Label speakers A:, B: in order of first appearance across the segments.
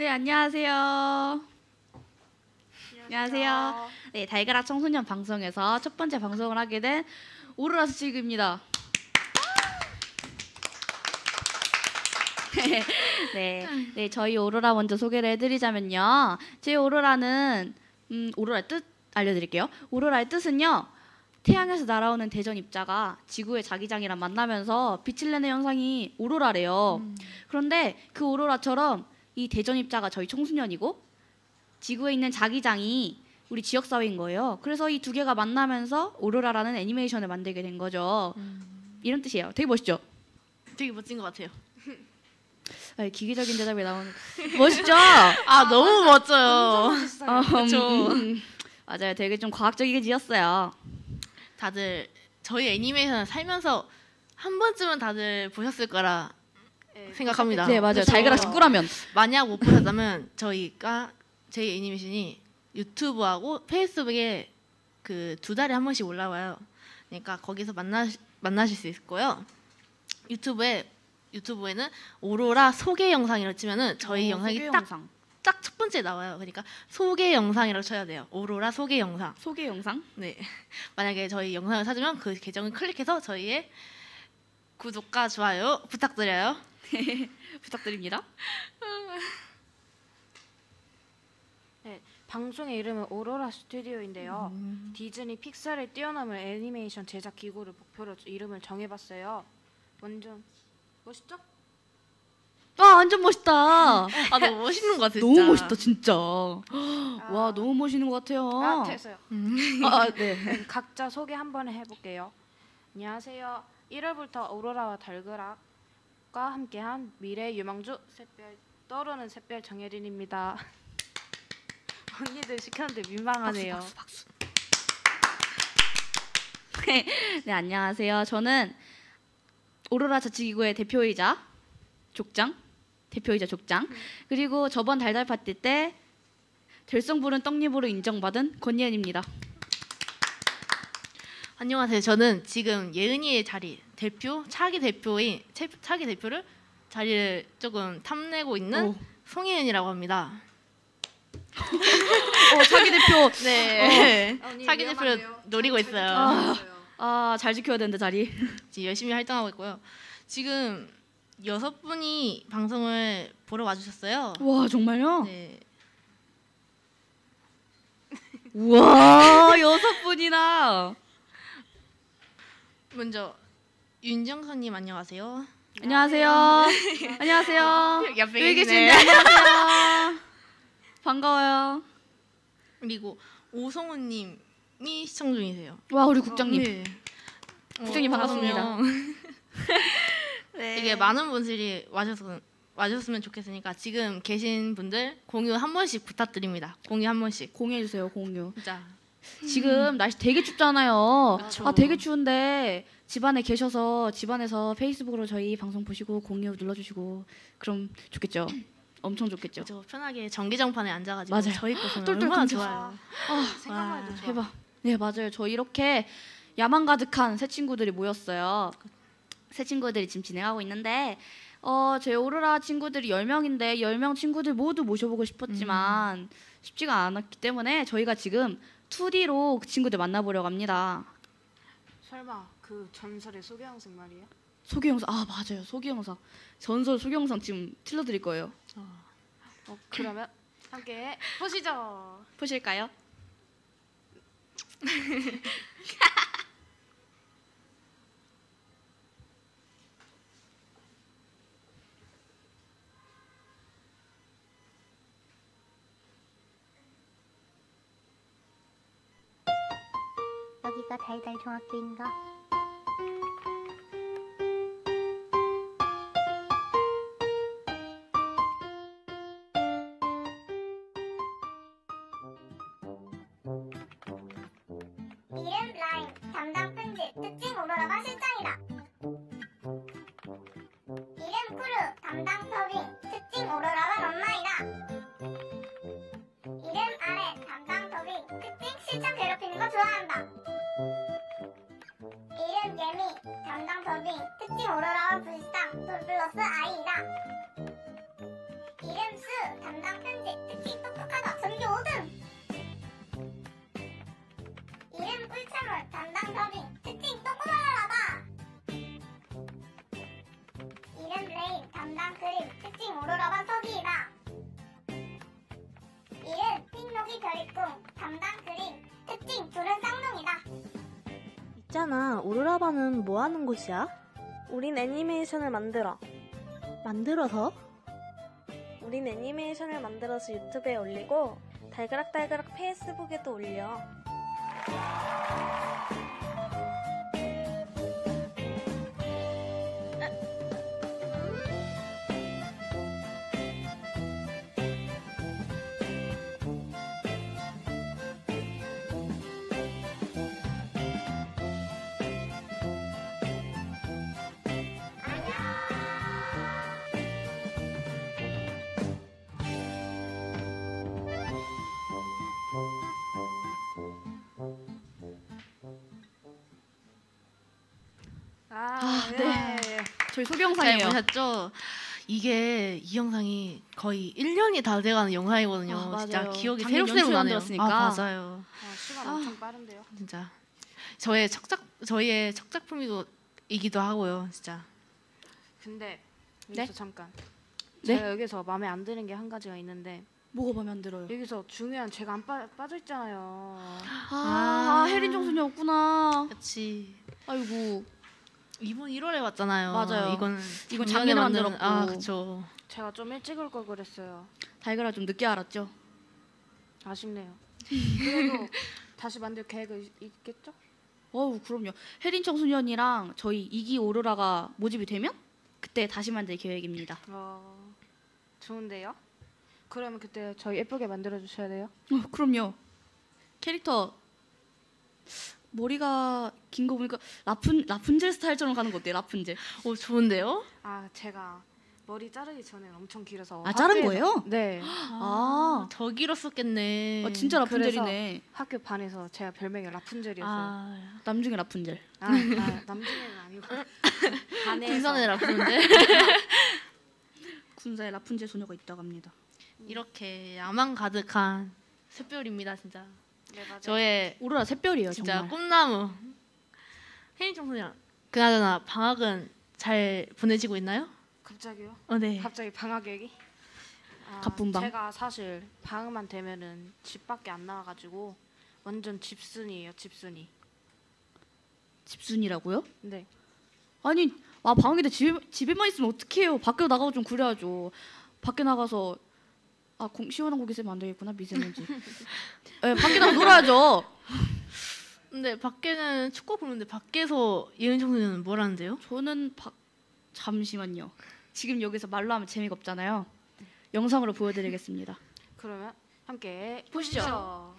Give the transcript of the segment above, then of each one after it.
A: 네, 안녕하세요. 안녕하세요. 네, 달걀아 청소년 방송에서 첫 번째 방송을 하게 된 오로라 스치그입니다. 네, 저희 오로라 먼저 소개를 해드리자면요. 제 오로라는 오로라의 뜻 알려드릴게요. 오로라의 뜻은요. 태양에서 날아오는 대전 입자가 지구의 자기장이랑 만나면서 빛을 내는 현상이 오로라래요. 그런데 그 오로라처럼 이 대전 입자가 저희 청소년이고 지구에 있는 자기장이 우리 지역사회인 거예요. 그래서 이 두 개가 만나면서 오로라라는 애니메이션을 만들게 된 거죠. 이런 뜻이에요. 되게 멋있죠?
B: 되게 멋진 것 같아요.
A: 기계적인 대답이 나오는 멋있죠?
B: 너무 멋져요.
A: 그렇죠. 맞아요. 되게 좀 과학적이게 지었어요.
B: 다들 저희 애니메이션을 살면서 한 번쯤은 다들 보셨을 거라 생각합니다.
A: 네, 맞아요.
B: 그래서
A: 달걀아 식구라면.
B: 만약 못 보셨다면 저희 애니메이션이 유튜브하고 페이스북에 그 2달에 한 번씩 올라와요. 그러니까 거기서 만나실 수 있고요. 유튜브에는 오로라 소개 영상이라고 치면은 저희 영상이 딱 첫 번째 나와요. 그러니까 소개 영상이라고 쳐야 돼요. 오로라 소개 영상.
A: 소개 영상?
B: 네. 만약에 저희 영상을 찾으면 그 계정을 클릭해서 저희의 구독과 좋아요 부탁드려요.
A: 부탁드립니다.
C: 네, 방송의 이름은 오로라 스튜디오인데요. 디즈니 픽사를 뛰어넘을 애니메이션 제작 기구를 목표로 이름을 정해봤어요. 완전 멋있죠?
A: 완전 멋있다.
B: 너무 멋있는 것 같아요.
A: 너무 멋있다, 진짜. 와, 너무 멋있는 것 같아요.
C: 됐어요.
A: 네.
C: 각자 소개 한번 해볼게요. 안녕하세요. 1월부터 오로라와 달그락과 함께한 미래 유망주 샛별 떠오르는 샛별 정예린입니다. 언니들 시켰는데 민망하네요.
A: 박수. 네, 안녕하세요. 저는 오로라 자치기구의 대표이자 족장. 그리고 저번 달달 파티 때 될성부른 떡잎으로 인정받은 권예은입니다.
B: 안녕하세요. 저는 지금 예은이의 자리 차기 대표를 자리를 조금 탐내고 있는 송예은이라고 합니다.
A: 차기 대표.
B: 네. 차기 대표를 노리고 있어요.
A: 잘 지켜야 되는데 자리.
B: 지금 열심히 활동하고 있고요. 지금 6분이 방송을 보러 와주셨어요.
A: 와, 정말요?
B: 네.
A: 우와, 6분이나.
B: 먼저 윤정선님 안녕하세요.
A: 안녕하세요. 안녕하세요.
B: 옆에
A: 계신데 안녕하세요. 반가워요.
B: 그리고 오성우님이 시청 중이세요.
A: 와, 우리 국장님.
B: 네.
A: 국장님 반갑습니다.
B: 네. 이게 많은 분들이 와주셨으면 좋겠으니까 지금 계신 분들 공유 한 번씩 부탁드립니다. 공유 한 번씩.
A: 공유해주세요, 공유.
B: 진짜.
A: 지금 날씨 되게 춥잖아요.
B: 그쵸.
A: 되게 추운데 집안에 계셔서 집안에서 페이스북으로 저희 방송 보시고 공유 눌러주시고 그럼 좋겠죠. 엄청 좋겠죠.
B: 저 편하게 전기장판에 앉아가지고
A: 맞아요.
B: 저희 거 보면
A: 똘똘
B: 얼마나
A: 끊겨.
B: 좋아요.
C: 생각만 해도 좋아.
A: 해봐. 네, 맞아요. 저 이렇게 야망 가득한 새 친구들이 모였어요. 새 친구들이 지금 진행하고 있는데 제 오로라 친구들이 10명인데 10명 친구들 모두 모셔보고 싶었지만 쉽지가 않았기 때문에 저희가 지금 2D로 그 친구들 만나보려고 합니다.
C: 설마 그 전설의 소개 영상 말이에요?
A: 소개 영상. 맞아요. 소개 영상. 전설 소개 영상 지금 틀어드릴 거예요.
C: 그러면 함께 보시죠.
A: 보실까요?
D: 여기가 달달 중학교인가?
E: 이름 라임, 담당 편집, 특징 오로라가 실장이다. 이름 쿠르, 담당 더빙, 특징 오로라가 엄마이다. 이름 아레, 담당 더빙, 특징 실장 괴롭히는 거 좋아한다. 이름 예미, 담당 더빙, 특징 오로라와 불상, 돌 플러스 아이이다. 이름 수, 담당 특징 똑똑하다 전교 5등. 이름 꿀차물 담당 더빙 특징 똑똑하다. 이름 레인 담당 그림 특징 오로라반 서기이다. 이름 핑록이 별이꿈 담당 그림 특징 둘은 쌍둥이다.
D: 있잖아, 오로라반은 뭐 하는 곳이야? 우린 애니메이션을 만들어서? 우린 애니메이션을 만들어서 유튜브에 올리고 달그락달그락 페이스북에도 올려.
A: 네. 저희 소개
B: 잘
A: 영상이에요.
B: 보셨죠? 이게 이 영상이 거의 1년이 다 돼가는 영상이거든요.
A: 아,
B: 진짜
A: 맞아요.
B: 기억이
A: 작년
B: 새록새록
A: 연초에
B: 나네요.
A: 만들었으니까.
B: 맞아요.
C: 시간 엄청 빠른데요.
B: 진짜 저희의 첫 작품이기도 하고요. 진짜.
C: 근데
A: 네?
C: 여기서 잠깐.
A: 네?
C: 제가 여기서 마음에 안 드는 게 한 가지가 있는데
A: 뭐가 마음에 안 들어요?
C: 여기서 중요한 제가 안 빠져 있잖아요.
A: 혜린 정순이 없구나.
B: 그렇지.
A: 아이고.
B: 이번 1월에 왔잖아요.
A: 맞아요.
B: 이건
A: 작년에
B: 만든-
A: 만들었고.
B: 아, 그렇죠.
C: 제가 좀 일찍 올 걸 그랬어요.
A: 달걀아 좀 늦게 알았죠?
C: 아쉽네요. 그래도 다시 만들 계획은 있겠죠?
A: 어우 그럼요. 혜린 청소년 언니랑 저희 2기 오로라가 모집이 되면 그때 다시 만들 계획입니다.
C: 좋은데요? 그러면 그때 저희 예쁘게 만들어 주셔야 돼요.
A: 그럼요. 캐릭터 머리가 긴 거 보니까 라푼젤 스타일처럼 가는 거 어때요? 라푼젤.
B: 오, 좋은데요?
C: 제가 머리 자르기 전에 엄청 길어서
A: 아 자른
C: 학교에서-
A: 거예요?
C: 네.
B: 더 길었었겠네.
A: 진짜 라푼젤이네.
C: 학교 반에서 제가 별명이 라푼젤이었어요.
A: 남중에 라푼젤.
C: 남중에는 아니고 반에서
B: 군산에 라푼젤.
A: 군사에 라푼젤 소녀가 있다고 합니다.
B: 이렇게 야망 가득한 샛별입니다, 진짜.
C: 네, 맞아요.
B: 저의
A: 오로라 샛별이에요
B: 진짜
A: 정말.
B: 꿈나무. 혜인 청소년. 그나저나 방학은 잘 보내지고 있나요?
C: 갑자기요?
B: 네.
C: 갑자기 방학 얘기?
A: 갑분방.
C: 제가 사실 방학만 되면은 집 밖에 안 나와가지고 완전 집순이에요, 집순이.
A: 집순이라고요?
C: 네.
A: 아니 방학인데 집에만 있으면 어떡해요. 밖에 나가고 좀 그래야죠. 밖에 나가서 시원한 고기 쓰면 안 되겠구나 미세먼지. 네, 밖에 나가 놀아야죠.
B: 근데 밖에는 축구 보는데 밖에서 예은 청소년은 뭘 하는데요?
A: 저는 잠시만요. 지금 여기서 말로 하면 재미가 없잖아요. 영상으로 보여드리겠습니다.
C: 그러면 함께
A: 보시죠.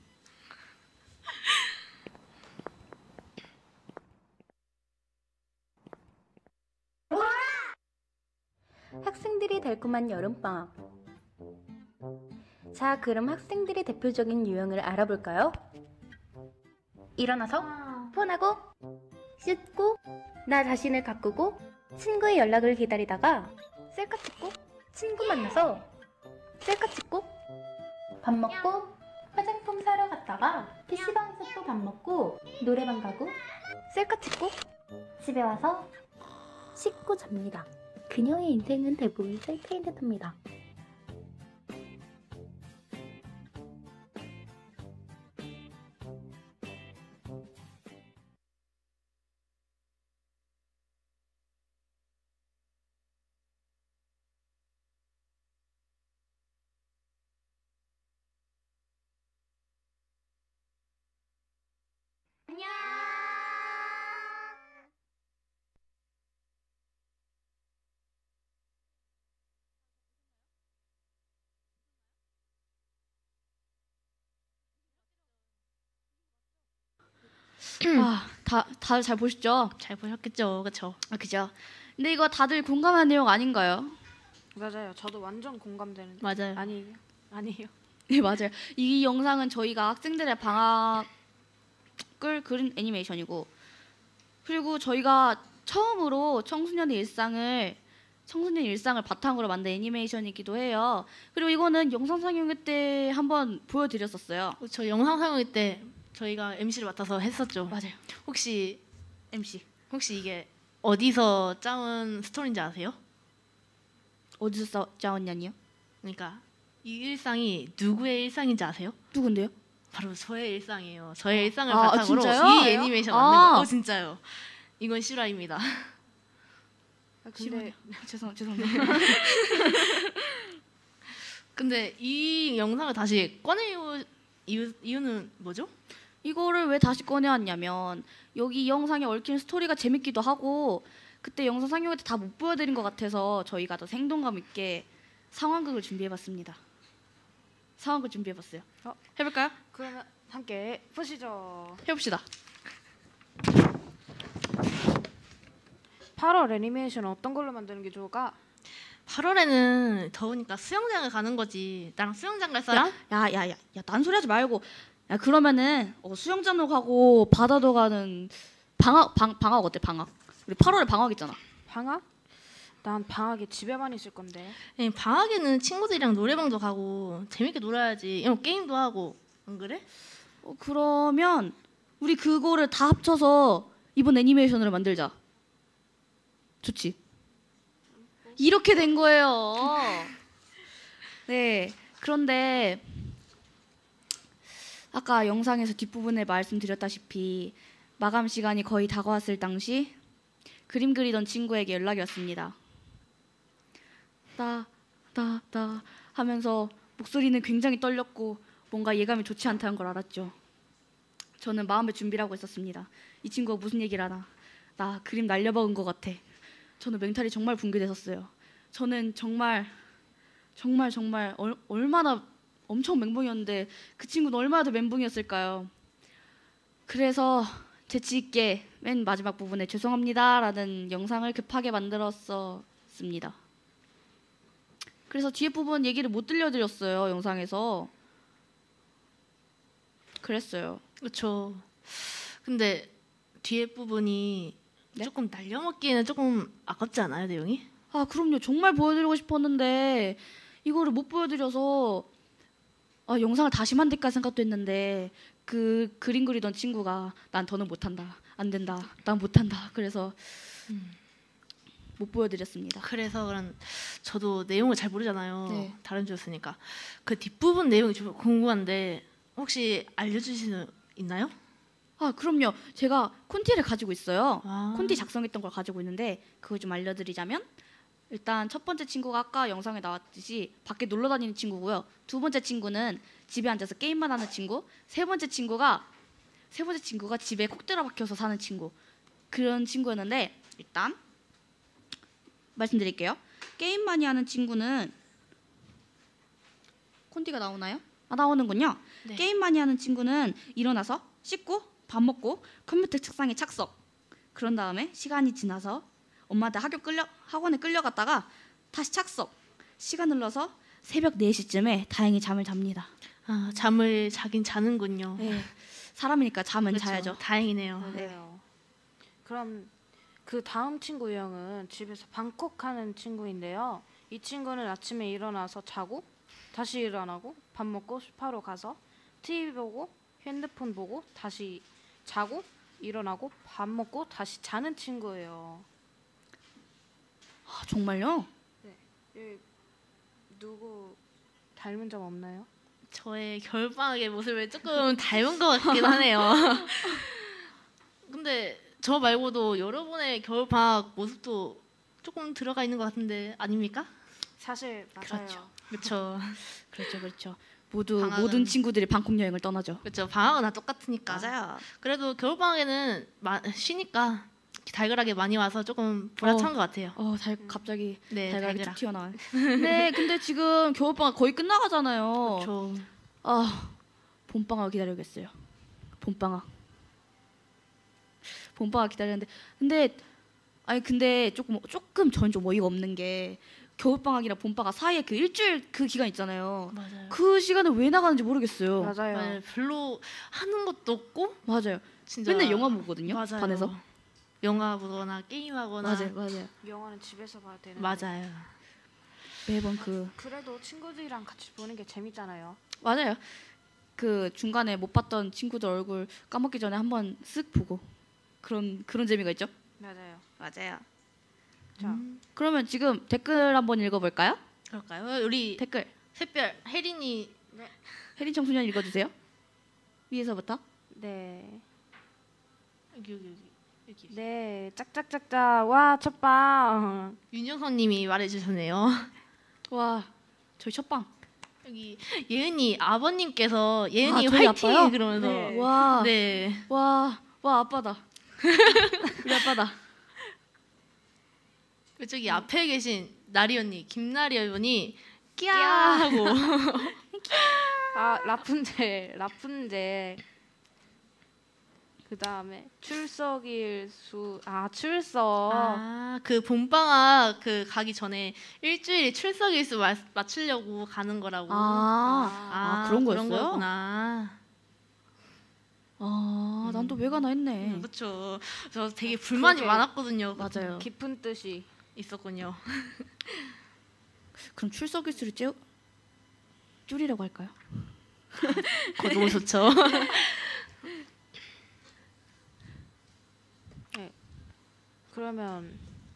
F: 학생들이 달콤한 여름방학. 자, 그럼 학생들의 대표적인 유형을 알아볼까요? 일어나서 폰하고 씻고 나 자신을 가꾸고 친구의 연락을 기다리다가 셀카 찍고 친구 만나서 셀카 찍고 밥 먹고 화장품 사러 갔다가 PC방에서 또 밥 먹고 노래방 가고 셀카 찍고 집에 와서 씻고 잡니다. 그녀의 인생은 대부분 셀카인 듯합니다.
E: 안녕.
A: 다들 잘 보셨죠?
B: 잘 보셨겠죠, 그렇죠?
A: 그죠? 근데 이거 다들 공감하는 내용 아닌가요?
C: 맞아요. 저도 완전 공감되는.
B: 맞아요.
C: 아니에요.
A: 네 맞아요. 이 영상은 저희가 학생들의 방학을 그린 애니메이션이고 그리고 저희가 처음으로 청소년의 일상을 청소년 일상을 바탕으로 만든 애니메이션이기도 해요. 그리고 이거는 영상 상영회 때 한번 보여드렸었어요.
B: 저 영상 상영회 때 저희가 MC를 맡아서 했었죠.
A: 맞아요.
B: 혹시
A: MC
B: 이게 어디서 짜온 스토리인지 아세요?
A: 어디서 짜왔냐니요?
B: 그러니까 이 일상이 누구의 일상인지 아세요?
A: 누군데요?
B: 바로 저의 일상이에요. 저의 일상을
A: 아,
B: 바탕으로
A: 진짜요?
B: 이 애니메이션
A: 아.
B: 만든 거. 진짜요. 이건 실화입니다.
C: 근데
A: 죄송합니다.
B: 근데 이 영상을 다시 꺼내요 이유는 뭐죠?
A: 이거를 왜 다시 꺼내왔냐면 여기 이 영상에 얽힌 스토리가 재밌기도 하고 그때 영상 상영회 때 다 못 보여드린 것 같아서 저희가 더 생동감 있게 상황극을 준비해봤습니다. 상황극 준비해봤어요. 해볼까요?
C: 그러면 함께 보시죠.
A: 해봅시다.
C: 8월 애니메이션은 어떤 걸로 만드는 게 좋을까?
B: 8월에는 더우니까 수영장을 가는 거지. 나랑 수영장 갈 사람?
A: 야야야야 딴소리 하지 말고 야 그러면은 수영장도 가고 바다도 가는 방학 어때 방학? 우리 8월에 방학 있잖아.
C: 방학? 난 방학에 집에만 있을 건데.
B: 네, 방학에는 친구들이랑 노래방도 가고 재밌게 놀아야지. 게임도 하고. 안 그래?
A: 그러면 우리 그거를 다 합쳐서 이번 애니메이션으로 만들자. 좋지? 이렇게 된 거예요. 네. 그런데 아까 영상에서 뒷부분에 말씀드렸다시피 마감 시간이 거의 다가왔을 당시 그림 그리던 친구에게 연락이 왔습니다. 나 하면서 목소리는 굉장히 떨렸고 뭔가 예감이 좋지 않다는 걸 알았죠. 저는 마음의 준비를 하고 있었습니다. 이 친구가 무슨 얘기를 하나. 나 그림 날려먹은 것 같아. 저는 멘탈이 정말 붕괴됐었어요. 저는 정말 얼마나 엄청 멘붕이었는데 그 친구는 얼마나 더 멘붕이었을까요. 그래서 재치 있게 맨 마지막 부분에 죄송합니다라는 영상을 급하게 만들었었습니다. 그래서 뒤에 부분 얘기를 못 들려드렸어요. 영상에서. 그랬어요.
B: 그렇죠. 근데 뒤에 부분이
A: 네?
B: 조금 날려먹기에는 조금 아깝지 않아요, 내용이?
A: 아 그럼요. 정말 보여드리고 싶었는데 이거를 못 보여드려서 영상을 다시 만들까 생각도 했는데 그 그림 그리던 친구가 난 더는 못한다. 안 된다. 난 못한다. 그래서 못 보여드렸습니다.
B: 그래서 그런 저도 내용을 잘 모르잖아요.
A: 네.
B: 다른 주였으니까. 그 뒷부분 내용이 좀 궁금한데 혹시 알려주실 수 있나요?
A: 아 그럼요. 제가 콘티를 가지고 있어요.
B: 아.
A: 콘티 작성했던 걸 가지고 있는데 그걸 좀 알려드리자면 일단 첫 번째 친구가 아까 영상에 나왔듯이 밖에 놀러 다니는 친구고요. 두 번째 친구는 집에 앉아서 게임만 하는 친구. 세 번째 친구가 집에 콕 들어박혀서 사는 친구. 그런 친구였는데 일단 말씀드릴게요. 게임 많이 하는 친구는 콘티가 나오나요? 나오는군요.
B: 네.
A: 게임 많이 하는 친구는 일어나서 씻고 밥 먹고 컴퓨터 책상에 착석. 그런 다음에 시간이 지나서 엄마한테 학원에 끌려갔다가 다시 착석. 시간 흘러서 새벽 4시쯤에 다행히 잠을 잡니다.
B: 아, 잠을 자긴 자는군요.
A: 네. 사람이니까 잠은
B: 그렇죠.
A: 자야죠.
B: 다행이네요.
C: 맞아요. 그럼 그 다음 친구 유형은 집에서 방콕하는 친구인데요. 이 친구는 아침에 일어나서 자고 다시 일어나고 밥 먹고 스파로 가서 TV 보고 핸드폰 보고 다시 자고 일어나고 밥 먹고 다시 자는 친구예요.
A: 아, 정말요?
C: 누구 닮은 점 없나요?
B: 저의 겨울방학의 모습을 조금 닮은 것 같긴 하네요. 근데 저 말고도 여러분의 겨울방학 모습도 조금 들어가 있는 것 같은데 아닙니까?
C: 사실 맞아요.
B: 그렇죠.
A: 그렇죠. 모든
B: 방학은-
A: 친구들이 방콕 여행을 떠나죠.
B: 그렇죠. 방학은 다 똑같으니까.
A: 맞아요.
B: 그래도 겨울방학에는 쉬니까 달걀하게 많이 와서 조금 보람찬 것 같아요.
A: 갑자기
B: 네,
A: 달걀이 툭
B: 달걀아.
A: 튀어나와요. 네, 근데 지금 겨울방학 거의 끝나가잖아요.
B: 그렇죠.
A: 봄방학 기다려야겠어요. 봄방학 기다렸는데 근데 조금 전 좀 어이가 없는 게 겨울방학이랑 봄방학 사이에 그 일주일 그 기간 있잖아요.
B: 맞아요.
A: 그 시간에 왜 나가는지 모르겠어요.
C: 맞아요.
B: 별로 하는 것도 없고
A: 맞아요.
B: 진짜
A: 맨날 영화 보거든요.
B: 맞아요.
A: 반에서.
B: 영화 보거나 게임하거나.
A: 맞아요.
C: 영화는 집에서 봐야 되는데.
B: 맞아요.
A: 매번 그
C: 그래도 친구들이랑 같이 보는 게 재밌잖아요.
A: 맞아요. 그 중간에 못 봤던 친구들 얼굴 까먹기 전에 한번 쓱 보고 그런 재미가 있죠.
C: 맞아요.
A: 자, 그러면 지금 댓글 한번 읽어볼까요?
B: 그럴까요? 우리
A: 댓글
B: 샛별 혜린이
A: 혜린 청소년 읽어주세요. 위에서부터.
C: 네.
B: 여기.
C: 네. 짝짝짝짝. 와 첫방.
B: 윤영선님이 말해주셨네요.
A: 와, 저희 첫방.
B: 여기 예은이 아버님께서 예은이
A: 저희
B: 화이팅
A: 아빠요?
B: 그러면서
C: 네.
A: 와,
B: 네.
A: 와 아빠다. 우리 아빠다.
B: 저기 앞에 계신 나리 언니 김나리 언니 끼야 하고
C: 아 라푼젤. 그 다음에 출석.
B: 그 봄방학 그 가기 전에 일주일 출석 일수 맞추려고 가는 거라고.
A: 그런
B: 그런
A: 거였어요?
B: 거였구나.
A: 난 또 왜 가나 했네.
B: 그렇죠. 저 되게 불만이
C: 그게-
B: 많았거든요.
A: 맞아요.
C: 깊은 뜻이.
B: 있었군요.
A: 그럼 출석 일수를 줄이라고 할까요?
B: 그거 너무 좋죠.
C: 그러면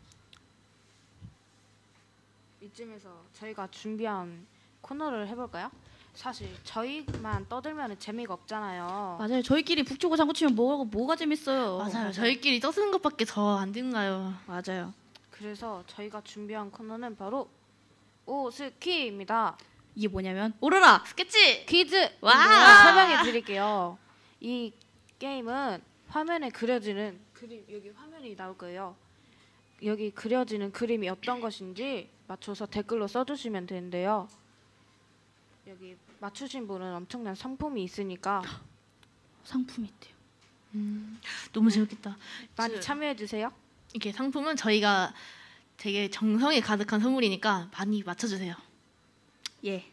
C: 이쯤에서 저희가 준비한 코너를 해볼까요? 사실 저희만 떠들면 재미가 없잖아요.
A: 맞아요. 저희끼리 북치고 장구치면 뭐가 재밌어요.
B: 맞아요. 저희끼리 떠드는 것밖에 더 안 된가요?
A: 맞아요.
C: 그래서 저희가 준비한 코너는 바로 오스키입니다.
A: 이게 뭐냐면 오로라
B: 스케치.
C: 퀴즈!
A: 와!
C: 설명해 드릴게요. 이 게임은 화면에 그려지는 그림, 여기 화면이 나올 거예요. 여기 그려지는 그림이 어떤 것인지 맞춰서 댓글로 써주시면 되는데요. 여기 맞추신 분은 엄청난 상품이 있으니까
A: 상품이 있대요.
B: 너무 재밌겠다.
C: 많이 참여해 주세요.
B: 이렇게 상품은 저희가 되게 정성이 가득한 선물이니까 많이 맞춰주세요.
A: 예.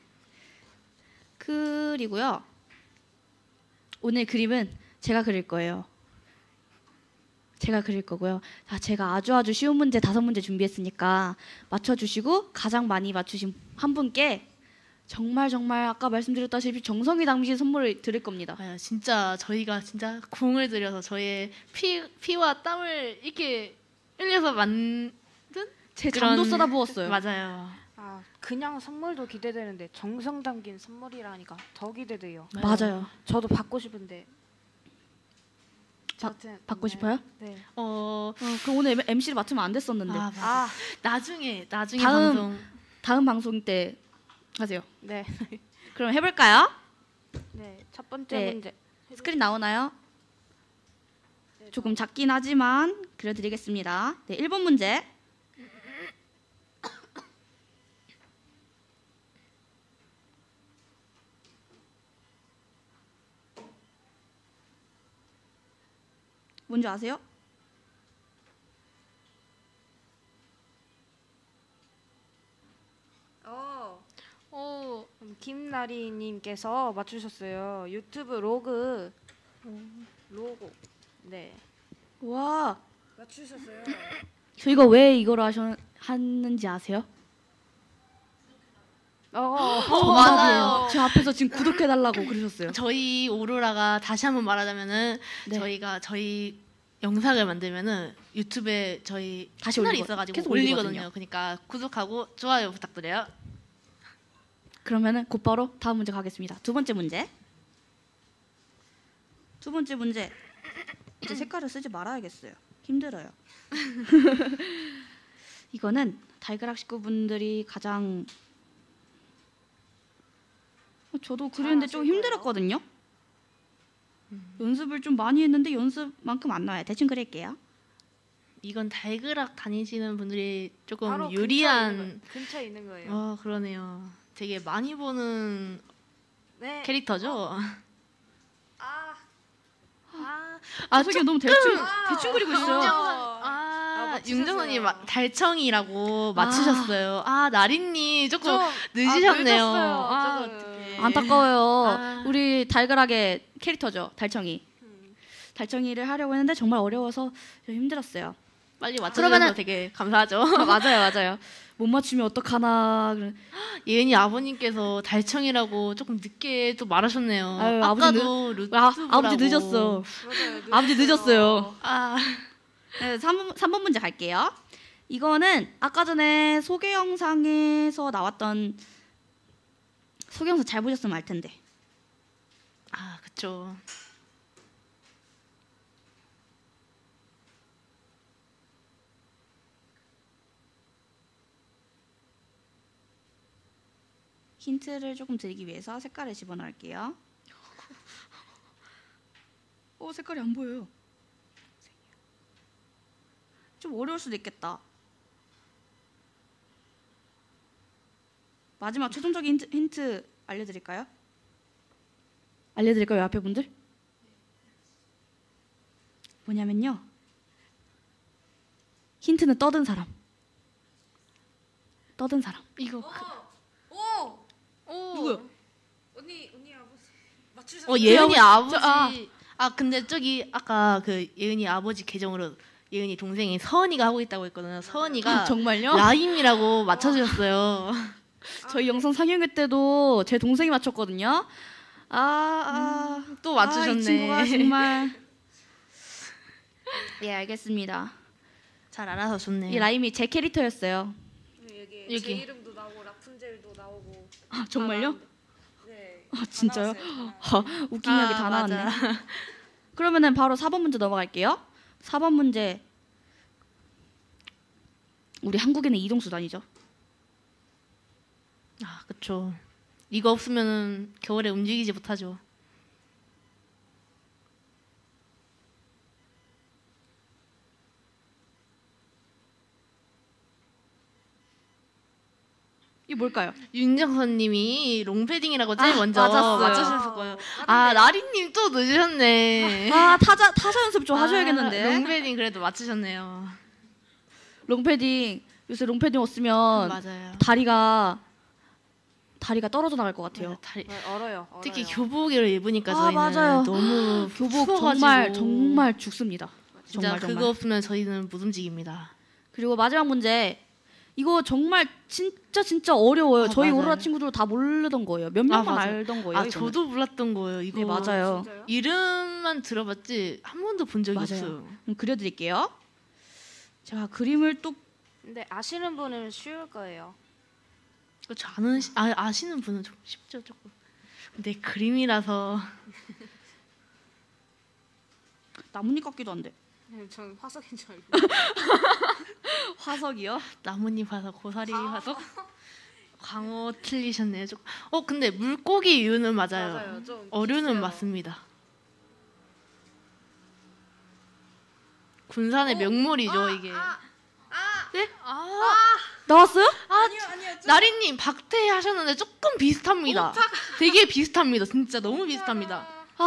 A: 그리고요. 오늘 그림은 제가 그릴 거예요. 제가 그릴 거고요. 제가 아주 쉬운 문제 5문제 준비했으니까 맞춰주시고 가장 많이 맞추신 한 분께 정말 아까 말씀드렸다시피 정성이 담긴 선물을 드릴 겁니다.
B: 진짜 저희가 진짜 공을 들여서 저희의 피와 땀을 이렇게 흘려서 만든
A: 제
B: 그런-
A: 잠도 쏟아부었어요.
B: 맞아요.
C: 그냥 선물도 기대되는데 정성 담긴 선물이라니까 더 기대돼요.
A: 맞아요.
C: 저도 받고 싶은데.
A: 받고 싶어요?
C: 네.
A: 그럼 오늘 MC를 맡으면 안 됐었는데.
B: 맞아. 나중에
A: 다음 방송 때 하세요.
C: 네.
A: 그럼 해볼까요?
C: 네. 첫 번째
A: 네.
C: 문제.
A: 스크린 나오나요? 조금 작긴 하지만 그려드리겠습니다. 네, 1번 문제. 뭔지 아세요?
C: 김나리님께서 맞추셨어요. 유튜브 로고. 네.
A: 와,
C: 맞추셨어요.
A: 저희가 왜 이걸 하는지 아세요?
B: 맞아요.
A: 제 앞에서 지금 구독해달라고 그러셨어요.
B: 저희 오로라가 다시 한번 말하자면은
A: 네.
B: 저희가 저희 영상을 만들면은 유튜브에 저희
A: 다시
B: 채널이
A: 올리고-
B: 있어가지고
A: 계속
B: 올리거든요.
A: 올리거든요.
B: 그러니까 구독하고 좋아요 부탁드려요.
A: 그러면은 곧바로 다음 문제 가겠습니다. 두 번째 문제. 이제 색깔을 쓰지 말아야겠어요. 힘들어요. 이거는 달걀학 식구분들이 가장 저도 그리는데 좀
C: 잘하실
A: 힘들었거든요. 연습을 좀 많이 했는데 연습만큼 안 나와요. 대충 그릴게요.
B: 이건 달그락 다니시는 분들이 조금
C: 바로
B: 유리한.
C: 근처에 있는 거예요.
B: 그러네요. 되게 많이 보는
C: 네.
B: 캐릭터죠.
A: 저게 너무 대충 그리고 있어요.
B: 윤정선님
C: 맞추셨어요.
B: 달청이라고 맞추셨어요. 나린님 조금
C: 좀
B: 늦으셨네요.
C: 늦었어요, 조금.
B: 어떡해.
A: 안타까워요. 우리 달걀학의 캐릭터죠. 달청이. 달청이를 하려고 했는데 정말 어려워서 좀 힘들었어요.
B: 빨리 맞춰주셔서
A: 그러면은-
B: 되게 감사하죠.
A: 맞아요. 못 맞추면 어떡하나.
B: 예은이 아버님께서 달청이라고 조금 늦게 또 말하셨네요.
A: 아유,
B: 아까도
A: 아버지 늦었어.
C: 맞아요.
A: 아버지 늦었어요.
B: 아,
A: 네, 3번 문제 갈게요. 이거는 아까 전에 소개 영상에서 나왔던 소개 영상 잘 보셨으면 알 텐데.
B: 그쵸.
A: 힌트를 조금 드리기 위해서 색깔을 집어넣을게요. 색깔이 안 보여요. 좀 어려울 수도 있겠다. 마지막 최종적인 힌트 알려드릴까요? 알려드릴까요, 앞에 분들? 뭐냐면요. 힌트는 떠든 사람. 떠든 사람.
B: 이거
A: 누구요?
C: 언니 아버지 맞추셨어요?
B: 예은이 아버지.
A: 저,
B: 근데 저기 아까 그 예은이 아버지 계정으로 예은이 동생이 서은이가 하고 있다고 했거든요. 서은이가
A: 정말요?
B: 라임이라고 맞춰주셨어요.
A: 저희 영상 상영회 때도 제 동생이 맞췄거든요.
B: 또 맞추셨네.
A: 이 친구가 정말. 예, 알겠습니다.
B: 잘 알아서 좋네요.
A: 이 라임이 제 캐릭터였어요.
C: 여기
B: 여기.
C: 제 이름도 나오고 라푼젤도 나오고.
A: 정말요?
C: 네.
A: 진짜요?
C: 다 나왔어요.
A: 웃긴 이야기 다
B: 맞아.
A: 나왔네. 그러면은 바로 4번 문제 넘어갈게요. 4번 문제. 우리 한국에는 이동수단이죠.
B: 그쵸. 이거 없으면 겨울에 움직이지 못하죠.
A: 이게 뭘까요?
B: 윤정선님이 롱패딩이라고 제일 먼저
A: 맞았어요.
B: 맞추셨을 거예요. 나리님 또 늦으셨네.
A: 타자 연습 좀 하셔야겠는데.
B: 롱패딩 그래도 맞추셨네요.
A: 롱패딩 요새 롱패딩 없으면
B: 맞아요.
A: 다리가 떨어져 나갈 것 같아요.
C: 얼어요.
B: 특히 교복을 입으니까
A: 아,
B: 저희는
A: 맞아요.
B: 너무
A: 교복
B: 추워가지고.
A: 정말 죽습니다.
B: 진짜
A: 정말.
B: 그거 없으면 저희는 못 움직입니다.
A: 그리고 마지막 문제. 이거 정말 진짜 어려워요. 저희
B: 맞아요.
A: 오로라 친구들 다 모르던 거예요. 몇 명만
B: 맞아요.
A: 알던 거예요. 이거는.
B: 저도 몰랐던 거예요. 이거
A: 네, 맞아요.
C: 진짜요?
B: 이름만 들어봤지 한 번도 본 적이
A: 맞아요.
B: 없어요.
A: 그럼 그려드릴게요. 제가 그림을 또
C: 근데 아시는 분은 쉬울 거예요.
B: 그렇죠. 아시는 분은 좀 쉽죠 조금. 근데 그림이라서
A: 나뭇잎 같기도 한데.
C: 전 화석인 줄 알고.
A: 화석이요?
B: 나뭇잎 화석, 고사리 화석, 광어 틀리셨네요. 근데 물고기 유는 맞아요.
C: 좀
B: 어류는
C: 비슷해요.
B: 맞습니다. 군산의 명물이죠 이게. 네?
A: 나왔어요?
B: 나리님 박태 하셨는데 조금 비슷합니다. 되게 비슷합니다. 진짜 너무 비슷합니다.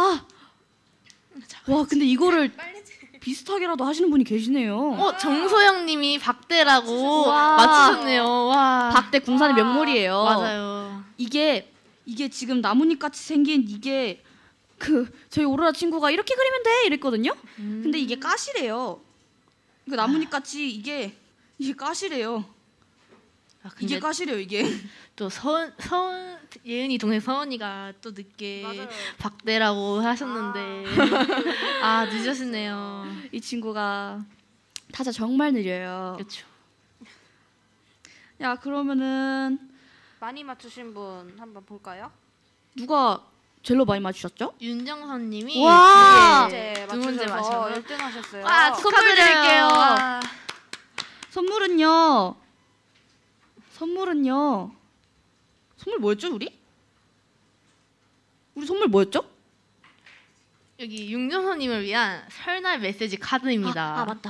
A: 와, 근데 이거를 비슷하게라도 하시는 분이 계시네요.
B: 정소영님이 박대라고
A: 와.
B: 맞추셨네요. 와.
A: 박대 군산의 명물이에요.
B: 맞아요.
A: 이게 지금 나뭇잎 같이 생긴 이게 저희 오로라 친구가 이렇게 그리면 돼 이랬거든요. 근데 이게 가시래요. 그 나뭇잎 같이 이게 가시래요. 이게
B: 근데
A: 가시래요 이게.
B: 또 예은이 동생 서은이가 또 늦게
C: 맞아요.
B: 박대라고 하셨는데 늦으셨네요.
A: 이 친구가 타자 정말 느려요.
B: 그렇죠.
A: 야, 그러면은
C: 많이 맞추신 분 한번 볼까요?
A: 누가 제일 많이 맞추셨죠?
B: 윤정선님이
A: 와.
B: 두 문제
C: 맞춰서
B: 맞춰서
C: 1등 하셨어요.
A: 선물 드릴게요.
B: 와.
A: 선물은요. 선물 뭐였죠, 우리? 우리 선물 뭐였죠?
B: 여기 윤정선님을 위한 설날 메시지 카드입니다.
A: 맞다.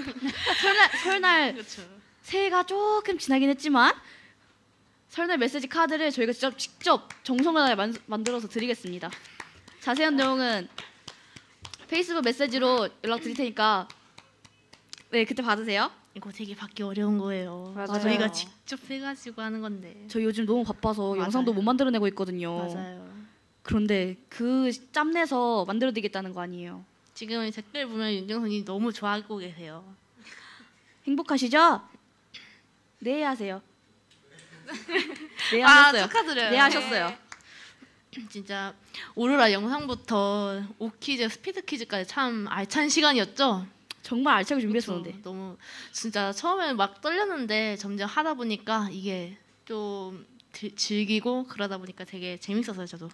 A: 설날
B: 그렇죠.
A: 새해가 조금 지나긴 했지만 설날 메시지 카드를 저희가 직접 정성을 만들어서 드리겠습니다. 자세한 내용은 페이스북 메시지로 연락 드릴 테니까 네, 그때 받으세요.
B: 이거 되게 받기 어려운 거예요.
C: 맞아요.
B: 저희가 직접 해가지고 하는 건데.
A: 저희 요즘 너무 바빠서
B: 맞아요.
A: 영상도 못 만들어내고 있거든요.
B: 맞아요.
A: 그런데 짬내서 만들어드리겠다는 거 아니에요.
B: 지금 댓글 보면 윤정선이 너무 좋아하고 계세요.
A: 행복하시죠? 네 하세요. 네
B: 아,
A: 하셨어요.
B: 축하드려요.
A: 네 하셨어요.
B: 진짜 오로라 영상부터 오퀴즈, 스피드 퀴즈까지 참 알찬 시간이었죠.
A: 정말 알차게 준비했었는데.
B: 그쵸? 너무 진짜 처음에는 막 떨렸는데 점점 하다 보니까 이게 좀 즐기고 그러다 보니까 되게 재밌었어요, 저도.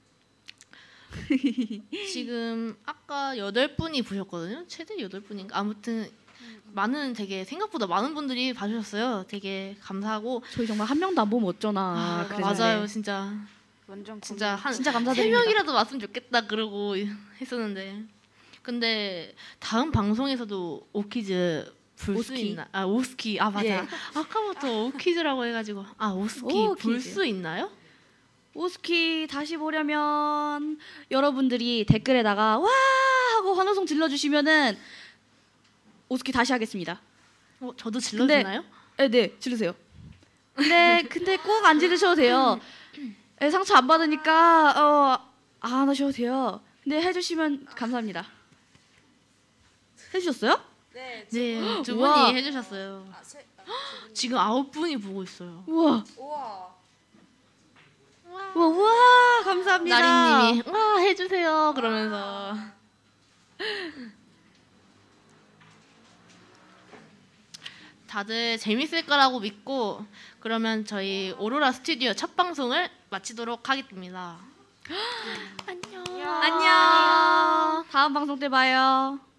B: 지금 아까 8분이 보셨거든요. 최대 8분인가? 아무튼 되게 생각보다 많은 분들이 봐주셨어요. 되게 감사하고.
A: 저희 정말 한 명도 안 보면 어쩌나. 그랬는데.
B: 맞아요, 진짜.
C: 완전
B: 진짜 한
A: 진짜
B: 3
A: 감사드립니다.
B: 명이라도 왔으면 좋겠다 그러고 했었는데, 근데 다음 방송에서도 오퀴즈 볼 수
A: 오스키.
B: 있나? 아, 오스키. 아, 맞아.
A: 예.
B: 아까부터 오퀴즈라고 해가지고. 아, 오스키 볼
A: 오퀴즈.
B: 수 있나요?
A: 오스키 다시 보려면 여러분들이 댓글에다가 와 하고 환호성 질러주시면은 오스키 다시 하겠습니다.
B: 저도 질러주나요?
A: 네, 지르세요. 근데 꼭 안 지르셔도 돼요. 네, 상처 안 받으니까 안 하셔도 돼요. 근데 해주시면 감사합니다. 해주셨어요?
C: 네.
B: 네, 두
A: 우와.
B: 분이 해주셨어요. 지금 9분이 보고 있어요.
A: 우와,
C: 우와.
A: 우와, 감사합니다.
B: 나리님이 와 해주세요 그러면서. 다들 재밌을 거라고 믿고 그러면 저희 오로라 스튜디오 첫 방송을 마치도록 하겠습니다. 안녕.
A: 안녕. 다음 방송 때 봐요.